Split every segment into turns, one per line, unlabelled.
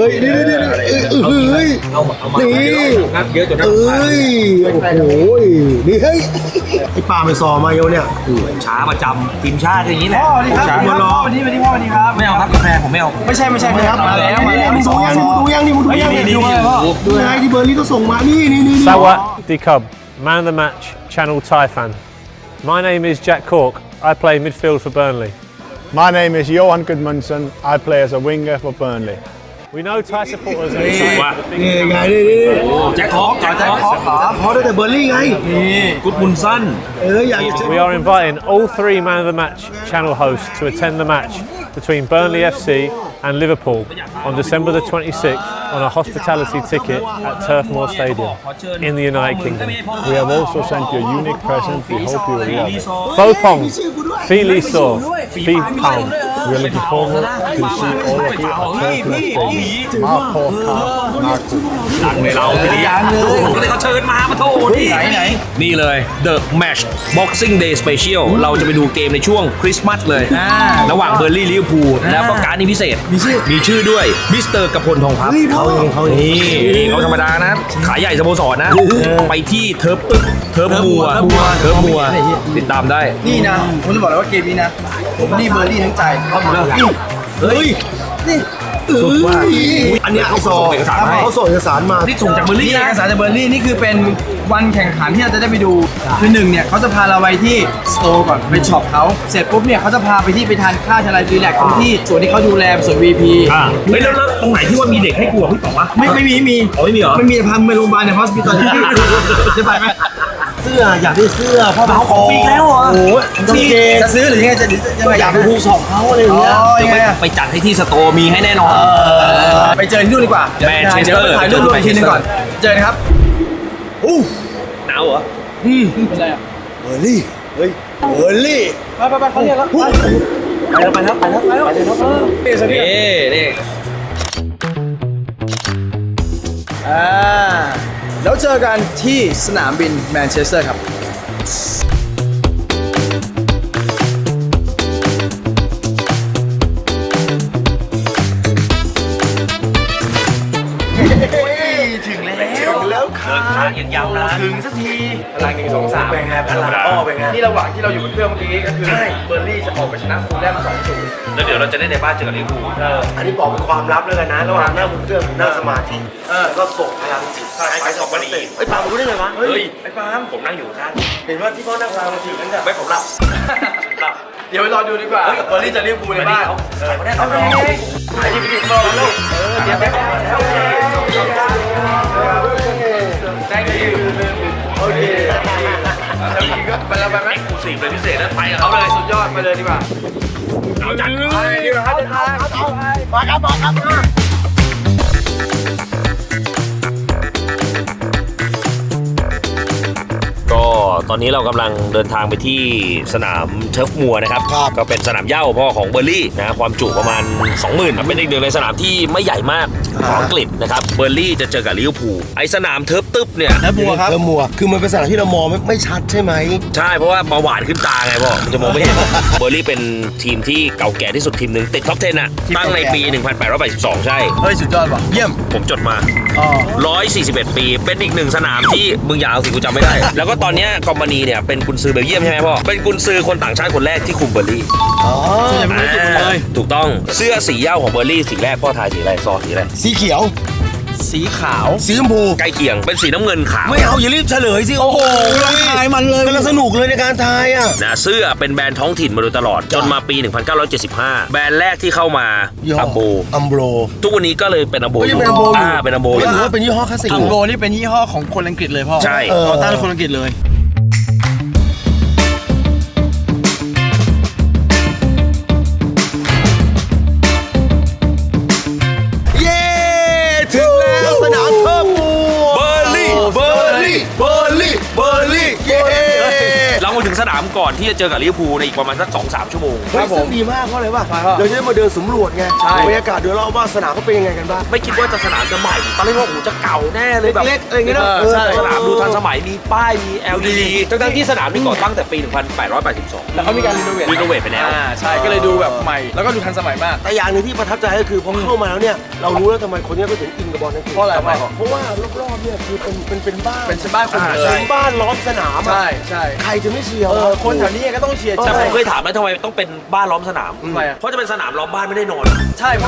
ฮ้ยนี่เฮ้ยนี่
งัดเยอะจน
เอ้ยโอ้โหนี่เฮ้ยไอ้ปลาไปซอมาเยอะเนี่ย
ช้าประจำทีมชาติอย่างนี้แหละ
พ่อนี่ครับ
ช้า
พ่อวันนี้พ่อวันนี้ครับ
ไม่เอาครับกาแฟผมไม่เอา
ไม่ใช่ครับมาแล้วมึงดูยังนี่มึงดูยังนี่
นี่
ดูไงที่เบอร์ลี่ก็ส่งมานี่
Sawat Cub, man of the match, Channel Thai fan. My name is Jack Cork. I play midfield for Burnley.
My name is Johan Gudmundsson. I play as a winger for Burnley.
We know Thai supporters are excited.
นี่ไงนี่
แจ็คฮอกแจ็คฮอก
พอได้แต่เบอร์ลี่ไง
กุดมุนสั้น
อยากจะ
We are inviting all three man of the match channel hosts to attend the match between Burnley FC and Liverpool on December the 26th on a hospitality ticket at Turf Moor Stadium in the United Kingdom.
We have also sent you a unique present. We hope you will love it.
Fopong, Fili So, Fi Pound.
We are looking forward to see all of you at Turf Moor Stadium. Mark Marku.
หลังเลยเราทีนี้ก็เลยเขาเชิญมาโทษนี่เลย The Match Boxing Day Special เราจะไปดูเกมในช่วงคริสต์มาสเลยระหว่างเบอร์ลี่ลิเวอร์พูลแล้วก็การนี้พิเศษมีชื่อด้วยมิสเตอร์กพลทองพับเขาเขาธรรมดานะขายใหญ่สโมสรนะไปที่เทิร์ฟตึกเทิร์ฟมัวติดตามได้
นี่นะผมจะบอกเลยว่าเกมนี้นะผมนี่เบอร์รี่ทั้งใจ
เฮ้ยนี่อันนี้เขาส่งเอกสารมา
ที่ส่งจากเบอร์ลี่
นี่
นะ
เอกสารจากเบอร์รี่นี่คือเป็นวันแข่งขันที่เราจะได้ไปดูคือหนึ่งเนี่ยเขาจะพาเราไปที่สโตร์ก่อนไปช็อปเขาเสร็จปุ๊บเนี่ยเขาจะพาไปที่ไปทานข้าวชาลายรีแลกซ์ที่ส่วนที่เขาดูแลส่วน VP
เฮ้ยแล้วตรงไหนที่ว่ามีเด็กให้กลัวพี่บอกว่า
ไม่มี
อ๋อไม่มีเหรอ
ไม่มีพาไปโรงพยาบาลในฮอสพิทอลจะไปไหม
เสื้ออยากได้เสื้อพ่อเขาของ
ปีแล้วเหรอ
โอ้ยกางเกง
จะซื้อหรือยังไงจะยังไง
อยากไปดูช็อปเขาอะไรอย่างเงี้ย
ยังไงอะ
ไปจัดให้ที่สโตร์มีให้แน่นอน
ไปเจอที่นู่นดีกว่า
แมนเชสเตอร์
เดี๋ยวไปถ่ายรูปรวมทีนึงก่อนเจอครับ
หนาวเหรอ
เป็นไรอ่ะ
เบอร์ลี่เฮ้ยเบอร์ลี่
ไปเขาเรียกแล้วไปเลย
นี่
แล้วเจอกันที่สนามบินแมนเชสเตอร์ครับถึงแล้วค่ะ
ทางยังยาวนาน
ถึงสักที
พลัง1 2 3
เป็นไงพลังอ้อเป็นไง
ที่ระหว่างที่เราอยู่บนเครื่องเมื่อกี้ก็คือเบอร์ลี่จะออกไปชนะฟูลแลม 2-0
แล้วเดี๋ยวเราจะได้ในบ้านเจอกับลิเวอร์พูล
อันนี้บอกเป็นความลับแล้วกันนะระหว่างนั่งบนเครื่องนั่งสมาธิแล้วก็ส่งพลังจิตให้กับมันเตะไอ้ปาล์มรู้ได้ไงวะ
เฮ้ยไอ้ปาล์มผมนั่งอยู่ข้าง
เห็นว่าที่พ่อนั่งพลังจิตนั่นแหละ
ไม่ผมหลับหลับ
เดี๋ยวไปรอดูดีกว่าเบอร์ลี่จะลิเวอร์พูลในบ้าน
เขาได้ตอนนี้
ไอ้ที่ไปติดรอแล้วเดี๋ยวไปแล้วthank you โอเคไปแล้วไปไหม
กูสี่เลยพิเศษแล้วไปกับเขาเลย
สุดยอดไปเลยดีกว่า
เอาจัด
ไปดีกว่าครับเดินทางมาครับ
ก็ตอนนี้เรากำลังเดินทางไปที่สนามเทิร์ฟมัวนะครับก็เป็นสนามเหย้าพ่อของเบอร์ลี่นะความจุประมาณ 20,000ครับเป็นอีกหนึ่งในสนามที่ไม่ใหญ่มากของอังกฤษนะครับเบอร์ลี่จะเจอกับลิเวอร์พูลไอสนามเทิร์ฟตึ๊บเนี่ย
แล้วบัวครับ
เธอมัวคือมันเป็นสถานที่เรามองไม่ชัดใช่ไหม
ใช่เพราะว่าเบาหวานขึ้นตาไงพ่อมันจะมองไม่เห็น เบอร์ลี่เป็นทีมที่เก่าแก่ที่สุดทีมหนึ่งติดท็อป 10 อ่ะตั้งในปี 1882 ใช่
เฮ้ยสุดยอดว่ะเยี่ยม
ผมจดมา
อ๋อ
141 ปีเป็นอีกหนึ่งสนามที่มึงอย่าเอาสิกูจำไม่ได้ แล้วก็ตอนเนี้ยกอมบานีเนี่ยเป็นกุนซือเบลเยียมใช่ไหมพ่อเป็นกุนซือคนต่างชาติคนแรกที่คุมเบอร์ลี่
ส่วนใหญ่ไม่รู้จุดเลย
ถูกต้องเสื้อสีเหย้าของเบอร์ลี่สีแรกพ่อทายสีอะไรซอสีอะไร
สีเขียว
สีขาว
สีชมพู
ใกล้เคียงเป็นสีน้ำเงินขาว
ไม่เอาอย่ารีบเฉลยสิโอ้โหทายมันเลยกำลังสนุกเลยในการทายอ่ะ
นะเสื้อเป็นแบรนด์ท้องถิ่นมาโดยตลอดจนมาปี 1975 แบรนด์แรกที่เข้ามาอัมโบ
อัมโบร
ทุกวันนี้ก็เลยเป็นอัมโบ
ก็ยังเป็นอัมโบอยู่
เป็นอัมโบ
ถือว่าเป็นยี่ห้อคลาสสิก
อัมโบนี่เป็นยี่ห้อของคนอังกฤษเลยพ่อ
ใช่
ต่อต้านคนอังกฤษเลย
เย้ถึงแล้วสนามเทิร์ฟมัว
เบอร์ลี่
เบอร์ลี่เย้
เรามาถึงงสนามก่อนที่จะเจอกับลิเวอร์พูลในอีกประมาณสัก 2-3 ชั่วโมง
เฮ้ยซึ่งดีมากเพราะอะไรวะ
ใช่ครับ
เดี๋ยวจะได้มาเดินสำรวจไง
ใช่
บรรยากาศโดยรอบว่าสนามเขาเป็นยังไงกันบ้าง
ไม่คิดว่าจะสนามจะใหม่ตอนแรกว่าโอ้โหจะเก่าแน่เลยแบบ
เล็กๆอะไรอย่างเงี้ยเนอะ
ใช่
สนามดูทันสมัยมีป้ายมี LED ทั้งๆที่สนามนี่ก่อตั้งแต่ปี 1882
แล้วเขามีการรีโนเวท
รีโนเวทไปแล้ว
ใช่ก็เลยดูแบบใหม่แล้วก็ดูทันสมัยมาก
แต่อย่างหนึ่งที่ประทับใจก็คือพอเข้ามาแล้วเนี่ยเรารู้แล้วทำไมคนเนี้ก็ถึงอินกับบอลนั่นคือ
เพราะอะไร
เพราะว่ารอบๆเนี่ยคือเป็นบ้าน
เป็นบ้านคนหมดเล
เป็
ย
นบ้านล้อมสนามอะ
ใช่ใช่
ใครจะไม่เชียร์
คนแถวนี้ก็ต้องเชียร์
แต่
ใช่
ผมเคยถามแล้วทำไมต้องเป็นบ้านล้อมสนาม
ทำไมอะ
เพราะจะเป็นสนามล้อมบ้านไม่ได้นอน
ใช่เพราะ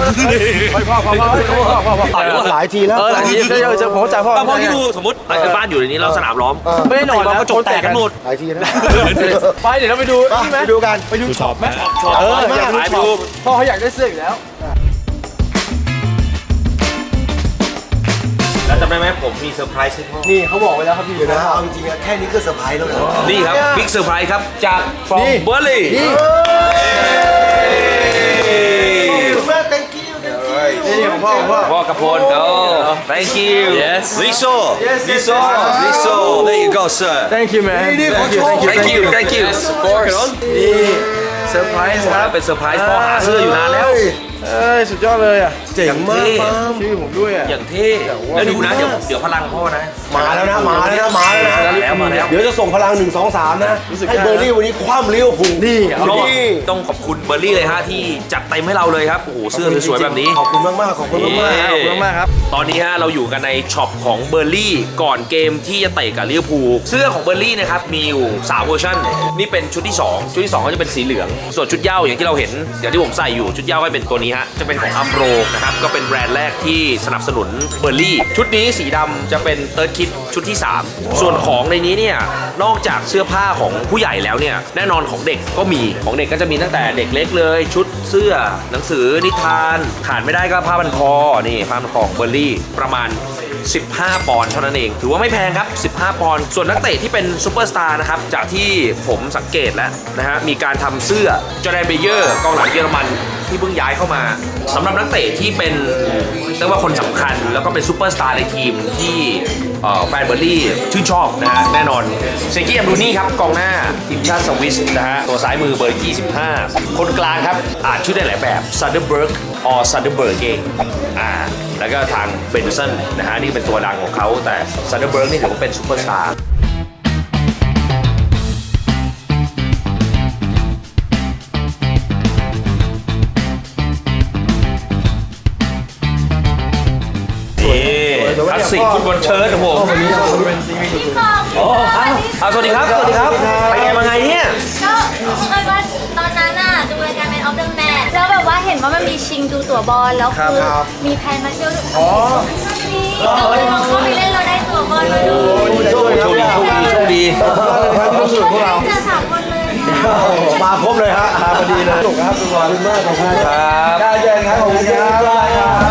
พ่อ
หลายทีแล้ว
หลายทีเจอผมเข้าใจพ่อ
พอที่ดูสมมติบ้านอยู่ในนี้เราสนามล้อม
ไม่ได้นอนแล้ว
กระจกแตกกันหมด
หลายทีนะ
ไปเดี๋ยวเราไปดูนี่ไหม
ไปดูกัน
ไปดูช็อปไหม
ชอบ
อยาก
ไป
ดู
ดู
พ่อเขาอยากได้เสื้ออีกแล้ว
แล้วจำได้ไหมผมมีเซอร์ไพรส์ให้พ่อ
นี่เขาบอกไว้แล้วครับพี่
เดี๋ยวนะเอาจริงๆอะแค่นี้ก็เซอร์ไพรส์แล้วนะ
นี่ครับบิ๊กเซอร์ไพรส์ครับจาก from
นี่
Burley
แม่ thank you
นี่ของพ่อ
พ่อกระพลโอ้ thank you
Yes
Liso
Yes, yes,
Liso
yes.
Liso there you go sir
Thank you man
นี่ขอโชว์
thank you thank you
of course นี่เซอร์ไพรส์ครับ
เป็นเซอร์ไพรส์พ่อหาเสื้ออยู่นานแล้ว
เอ้ยสุดยอดเลยอ่ะ
เจ๋งมากปั๊ม
ชื่อผมด้วยอ่ะ
อย่างเท่แล้วดูนะเดี๋ยวพลังพ่อนะ
มาแล้วนะมาแล้วนะมาแล้วนะ
มาแล้ว
เดี๋ยวจะส่งพลัง1 2 3นะ
รู้สึก
ให้เบอร์รี่วันนี้คว่ำลิเวอร์พูลนี่
ต้องขอบคุณเบอร์รี่เลยฮะที่จัดเต็มให้เราเลยครับโอ้โหเสื้อสวยๆแบบนี้
ขอบคุณมากๆขอบคุณมากๆ
ขอบคุณมากครับ
ตอนนี้ฮะเราอยู่กันในช็อปของเบอร์ลี่ก่อนเกมที่จะเตะกับลิเวอร์พูลเสื้อของเบอร์ลี่นะครับมีอยู่3เวอร์ชันนี่เป็นชุดที่ 2 ชุดที่ 2 ก็จะเป็นสีเหลือง ส่วนชุดเหย้าอย่างที่เราเห็นอย่างที่ผมใส่อยู่ชุดเหย้าก็เป็นตัวนี้ฮะจะเป็นของอัมโรนะครับก็เป็นแบรนด์แรกที่สนับสนุนเบอร์ลี่ชุดนี้สีดำจะเป็นเติร์ดคิดชุดที่ 3 ส่วนของในนี้เนี่ยนอกจากเสื้อผ้าของผู้ใหญ่แล้วเนี่ยแน่นอนของเด็กก็มีของเด็กก็จะมีตั้งแต่เด็กเล็กเลย ชุดเสื้อหนังสือนิทานขาดไม่ได้ก็ผ้าพันคอนี่ผ้าพันคอของเบอร์ลี่ประมาณ 15 ปอนด์เท่านั้นเองถือว่าไม่แพงครับ 15 ปอนด์ส่วนนักเตะที่เป็นซูเปอร์สตาร์นะครับจากที่ผมสังเกตแล้วนะฮะมีการทำเสื้อจอร์แดนเบเยอร์กองหลังเยอรมันที่เพิ่งย้ายเข้ามาสำหรับนักเตะที่เป็นเรียกว่าคนสำคัญแล้วก็เป็นซูเปอร์สตาร์ในทีมที่แฟนเบอร์ลี่ชื่นชอบนะฮะแน่นอนเซกี้แอมรูนี่ครับกองหน้าทีมชาติสวิสนะฮะตัวซ้ายมือเบอร์ 25 คนกลางครับอ่านชื่อได้หลายแบบซันเดอร์เบิร์กออซันเดอร์เบิร์กเองแล้วก็ทางเบนสันนะฮะนี่เป็นตัวดังของเขาแต่ซันเดอร์เบิร์กนี่ถือว่าเป็นซูเปอร์สตาร์คลาสสิกฟุตบอลเชิ้ตของผมโอ้สวัสดีครับสวัสดีครับไปไงมาไงเนี่ย
ก็เอิญว่าตอนนั้นน่ะดูรายการ Man of the Match แล้วแบบว่าเห็นว่ามันมีชิงดูตั๋วบอลแล้วคือมีแพลนมาเที่ยวด้วยก็เลยลองเข้าไปเล่นเราได้ตั๋วบอลมาดู
โชคดี
เจอ3 คนเลย
มาครบเลยฮะพอดีเลยถูกครับทุกคนมากขอบคุณครับ
ได้เจอครับขอบคุณครับ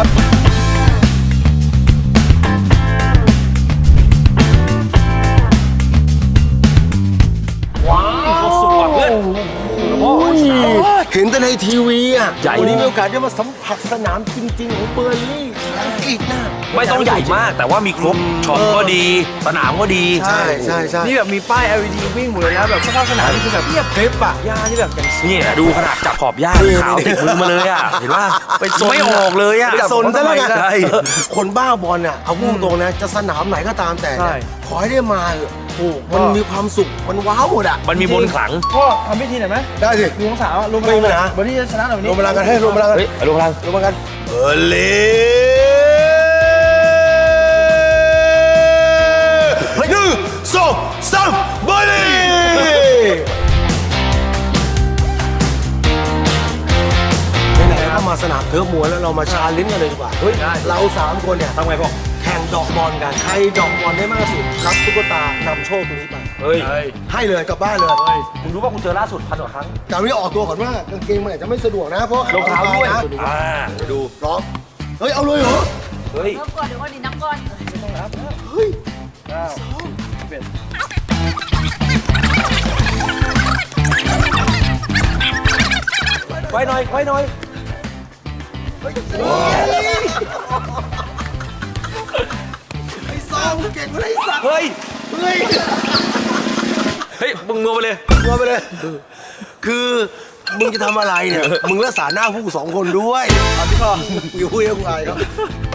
เพื่อน
เห็นแต่ในทีวีอ่ะ
ใหญ่
วันนี้มีโอกาสได้มาสัมผัสสนามจริงๆของเบอร์ลี่อังกฤษนะ
ไม่ต้องใหญ่มากแต่ว่ามีครบช็อปก็ดีสนามก็ดี
ใช่ใช่ใช่
นี่แบบมีป้าย LED วิ่งหมดเลยนะแบบสภาพสนามนี่คือแบบเรียบ
คลิปอ่ะ
หญ้านี่แบบอย่าง
เนี่ยดูขนาดจับขอบหญ้าขาวติดมือมาเลยอ่ะเห็นป่ะ
ไปซน
ไม่ออกเลยอ่ะ
ไปซนซะแล้วกัน
ใช่
คนบ้าบอลอ่ะเอาพูดตรงนะจะสนามไหนก็ตามแต่
ใช่
ขอให้ได้มาเถอะมันมีความสุขมันว้าวหมดอ่ะ
มันมีมนต์ขลัง
พ่อทำพิธีหน่อยไหม
ได้สิ
ลุงสาวลุง
ไม่มีปัญหา
วันนี้จะชนะหน่อยวัน
ร
นี้
วมพลังกันให้รวมพลังกัน
เฮ้ยอารมณ์พลัง
รวมพลังกันเบอร์ลี่1 2 3เบอร์ลี่ไหนๆก็มาสนามเทิร์ฟมวยแล้วเรามาชาเลนจ์กันเลยดีกว่าเฮ้ยเรา3 คนเนี่ย
ทำไงพ่อ
แข่งดอกบอลกัน ใครดอกบอลได้มากที่สุดรับตุ๊กตานำโชคตรงนี้ไป
เฮ้ย
ให้เลยกลับบ้านเลย
คุณรู้ว่าคุณเจอล่าสุด1,000 กว่าครั้ง
แต่วันนี้ออกตัวก่อนว่ากางเกงมันอาจจะไม่สะดวกนะ เพราะ
รองเท้าด้วย
นะ
ดู
พร้อมเฮ้ย เอาเลยเหรอ
เฮ้ย
เริ่มก่อนเดี๋ยวก่อนดินับก่อน
เฮ้ย
ไว้หน่อยไว้หน่อย
ไอ้ซองมึงเก่งกว่าไอ้สัตว์
เฮ้ย
เฮ้ย
เฮ้ยมึงงัวไปเลย
งัวไปเลย คือมึงจะทำอะไรเนี่ย มึงรักษาหน้าพวกกู2 คนด้วยพี่พ่ออยู่คุยกับกูอะไรครับ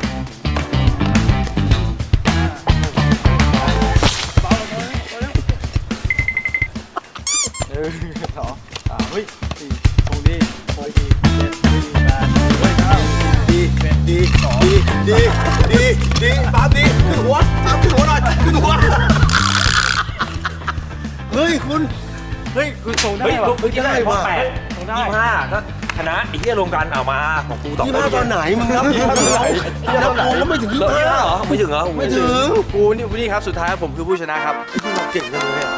ดีปั๊มดีขึ้นหัวปั๊มขึ้นหัวหน่อยขึ้นหัวเฮ้ยคุณส่งได้
เฮ้ย
ป่ะ
เมื่อกี้ได้
ป่ะ
8 25ถ้าชนะไอ้เหี้ยรวมกันเอามาของกูต่อ
25ตอนไหนมึงนับ25ตอนไหนนับกูก็ไม่ถึง
เหรอ
25
ไม่ถึงเหรอ
ไม่ถึง
กูนี่ครับสุดท้ายผมคือผู้ชนะครับ
คุณเก่งจังเลยอ่ะ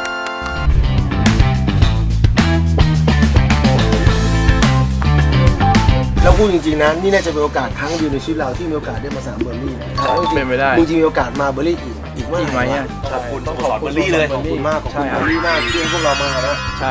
แล้วพูดจริงๆนะนี่น่าจะเป็นโอกาสครั้งเดียวในชีวิตเราที่มีโอกาสได้มาสนามเบอร์ลี่นะ
เป็นไปได้
จริงๆมีโอกาสมาเบอร์ลี่อีกเมื่อไหร่
ขอบคุณต้องขอบเบอร์รี่เลย
ขอบคุณมากขอบคุณเบอร์ลี่มากที่ให้พวกเรามานะ
ใช่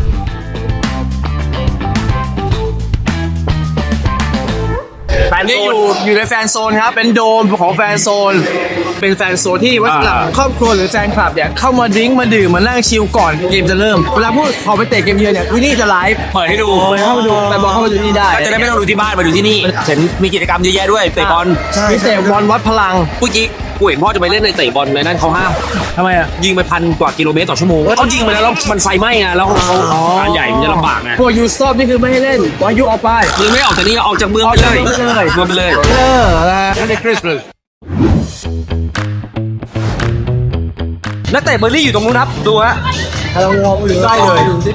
แฟน
นี่
โซ
อยู่ในแฟนโซนครับ เป็นโดมของแฟนโซน เป็นแฟนโซนที่ไว้สำหรับครอบครัวหรือแฟนคลับเนี่ยเข้ามาดริ้งมาดื่มมานั่งชิลก่อนเกมจะเริ่ม เวลาพูดพอไปเตะเกมเยือนเนี่ยที่นี่จะไลฟ์
เปิดให้ดู
เข้ามาดูไปบอลเข้ามาดูนี่ได้
จะได้ไม่ต้องดูที่บ้านมาดูที่นี่เห็นมีกิจกรรมเยอะแยะด้วยเตะบอล
มีเตะบอลวัดพลัง
เมื่อกี้กูเห็นพ่อจะไปเล่นในเตะบอลในนั่นเขาห้าม
ทำไมอ่ะ
ยิงไป1,000 กว่ากิโลเมตรต่อชั่วโมงเขายิงไปแล้วมันไฟไหม้อะแล้วงานใหญ่มันจะลำบากไง
พวกยูสตอปนี่คือไม่ให้เล่นว่ายูออกไป
มึงไม่ออกจากนี่ออกจากเมืองไปเลย
ออกจากเมืองไปเลย
เมืองไปเลย
นั่นในคริสเลย
นักเตะเบอร์รี่อยู่ตรงนู้นครับดูฮะ
เรามองอยู่
ใกล้เลย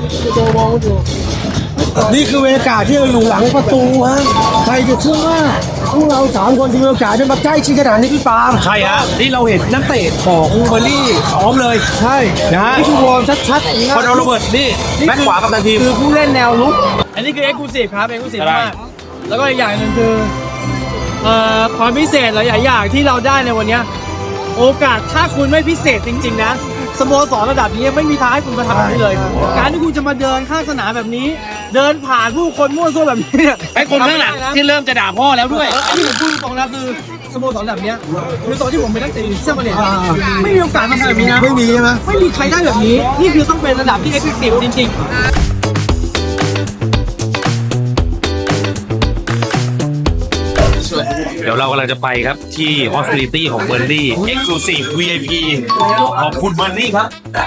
นี่คือเวลากาศที่เราอยู่หลังประตูฮะใครจะเชื่อว่าพวกเรา3 คนที่มีโอกาสได้มาใกล้ชิดขนาดนี้พี่ปาล์ม
ใช่ฮะ
นี่เราเห็นนักเตะของเบอร์ลี่ซ้อมเลย ใช่นะนี่คือวอร์มชัดๆ
คอนโดโรเบิร์ตนี่แบ็คขวากับตันทีม
คือผู้เล่นแนวลุก อันนี้คือเอ็กซ์คลูซีฟครับเอ็กซ์คลูซีฟมากแล้วก็อีกอย่างหนึ่งคือความพิเศษหลายๆอย่างที่เราได้ในวันเนี้ยโอกาสถ้าคุณไม่พิเศษจริง ๆ นะสโมสรระดับนี้ไม่มีทางให้คุณมาทำแบบนี้เลย การที่คุณจะมาเดินข้างสนามแบบนี้ เดินผ่านผู้คนมั่วซั่วแบบนี้เนี่ย
ไอ้คนข้างหลังที่เริ่มจะด่าพ่อแล้วด้วย
อันนี้ผมพูดตรงนะคือสโมสรแบบเนี้ยคือตอนที่ผมเป็นนักเตะเสื้อมาเลเซียไม่มีโอกาสมาทำแบบนี้นะ
ไม่มีใช่ไหม
ไม่มีใครได้แบบนี้ นี่คือต้องเป็นระดับที่เอ็กซ์คลูซีฟจริงๆ
เดี๋ยวเรากำลังจะไปครับที่ Hospitality ของเบอร์ลี่ Exclusive VIP ขอบคุณเบอร์ลี่ครับ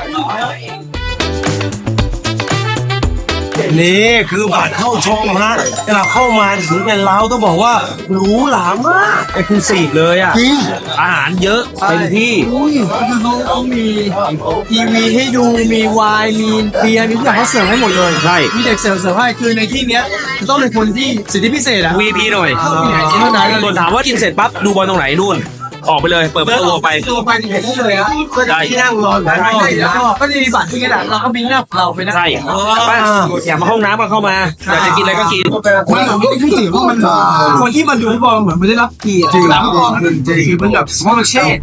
นี่คือบัตรเข้าชมฮะเราเข้ามาถึงเป็นเราต้องบอกว่าหรูหรามาก
Exclusive เลยอ่ะ
จริง
อาหารเยอะเต็มที่
คือเขามีทีวีให้ดูมีไวน์มีเบียร์มีทุกอย่างเขาเสิร์ฟให้หมดเลย
ใช่
มีเด็กเสิร์ฟให้คือในที่เนี้ยจะต้องเป็นคนที่สิทธิพิเศษอะ
VIP หน่อย
เข้าไปไหนกินเท่านั้น
ส่วนถามว่ากินเสร็จปั๊บดูบอลตรงไหนนู่น ออกไปเลย เปิดประตูออกไป
ตัวไปที่เห็นได้เลยอะก็จะที่นั่งรออยู่แล้วก็จะมีบัตรที่กระดาษเราก็มีหน้าเราไปนะ
ใช่ไปอยากมาห้องน้ำก็เข้ามา อยากจะกินอะไรก็กิน
มันคือถือว่ามันคนที่มาดูฟุตบอลเหมือนไม่ได้รับเกียรติจริงคือมันแบบสมอลเช่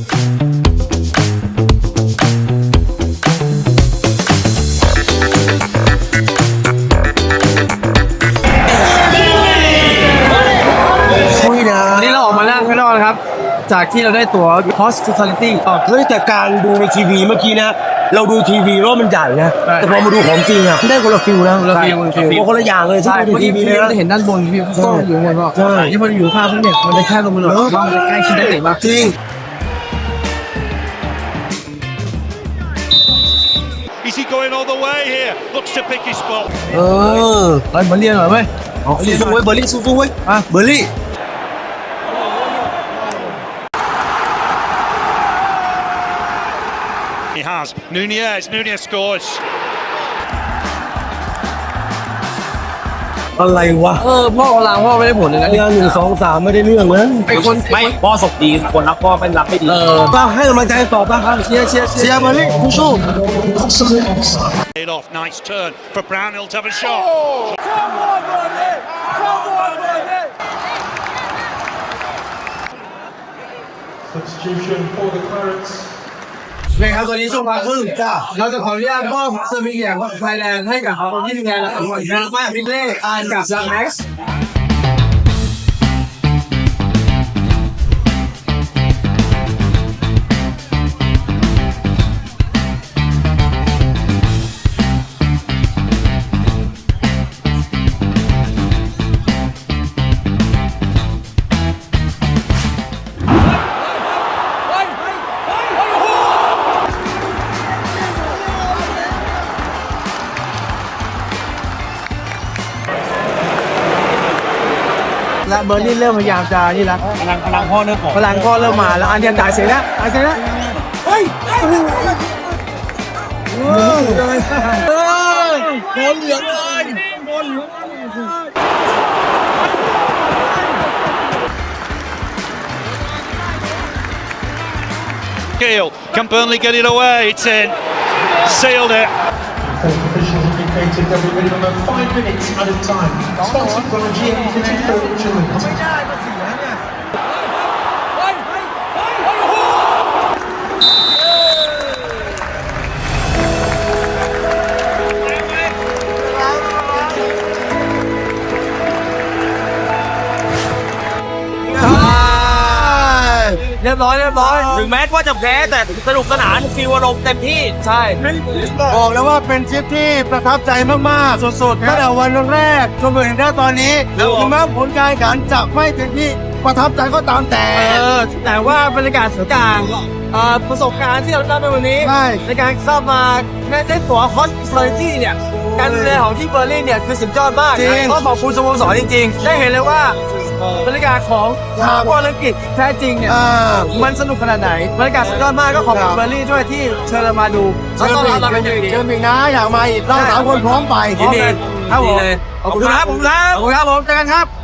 วันนี้เราออกมานั่งข้างนอกนะครับ จากที่เราได้ตั๋ว hospitality
เฮ้ยแต่การดูในทีวีเมื่อกี้นะ เราดูทีวีแล้วมันใหญ่นะ แต่พอมาดูของจริงอ่ะได้คนละฟิลนะ
คนละฟิล
คนละอย่างเลยที่
ใช่
ดู
เมื่อ
ที
กี้
วี
พี่
เลย
เรา
นะ
จะเห็นด้านบนพี่กล้องอยู่ข้างบนก็
ใช่
ที่พออยู่ข้างพี่เนี่ยมันจะแค่ลงมาหน่อยมันจะใกล้ชิดได้เตะมาก
จริง
Is he going all the way here? Looks to pick his spot.
ไปมาเรียนหน่อยไหม
สู้ๆเว้ยเบอร์ลี่สู้ๆเว้ยเบอร์ลี่
He has. Nunez scores.
อะไรวะ
พ่อกำลังพ่อไม่ได้ผลเลยนะ
งาน1 2 3ไม่ได้เรื่องนะ
ไอ้คน
ไม่พ่อศพดีคนรักพ่อเป็นรักไม่ดี
ก็ให้กำลังใจต่อไปครับเชียร์เบอร์ลี่สู้
It off. Nice turn for Brownhill to have a shot.
Substitution for the Clarets.
เนี่ยครับตอนนี้ช่วงพักครึ่งเราจะขออนุญาตมอบเซอร์วิสอย่างไทยแลนด์ให้กับคนที่ดูแลเราอีกมากพี่เล่อ่านกับซังแม็กซ์เบอร์ลี่เริ่มพยายามจะนี่ละ
พลังพ่อเริ่มออก
พลังก็เริ่มมาแล้วอันเดียจ่ายเสียแล้วจ่ายเสียแล้วเฮ้ยโดนเหลืองเลยโดนเหลือง
Gill, can Burnley get it away? It's in. Sealed it.
Officials indicated there will be minimum 5 minutes at a time. Sponsored by GM54 Children.
เรียบร้อย
ถึงแม้ว่าจะแพ้แต่สนุกสนานฟีลอารมณ์เต็มที่
ใช่
บอกแล้วว่าเป็นทริปที่ประทับใจมากๆสุดๆตั้งแต่วันแรกจนถึงตอนนี้ถึงแม้ผลการแข่งขันจะไม่เป็นที่ประทับใจก็ตามแต่
แต่ว่าบรรยากาศสงกรานต์ประสบการณ์ที่เราได้ในวันนี้
ใช่
ในการเข้ามาได้ตั๋ว hospitality เนี่ยการดูแลของที่เบอร์ลินเนี่ยคือสุดยอดมาก
จริง
ก็ขอบคุณสโมสรจริงๆ ได้เห็นเลยว่าบรรยากาศของสนามบอลอังกฤษแท้จริงเนี่ยมันสนุกขนาดไหนบรรยากาศสุดยอดมากก็ขอบคุณเบอร์ลินด้วยที่เชิญเรามาดูแล้วต้อนรับเราเป็นอย่างดี
เชิญอีกนะอยากมาอีกเรา3 คนพร้อมไป
ยินดีครับผมขอบคุณครับเจอกันครับ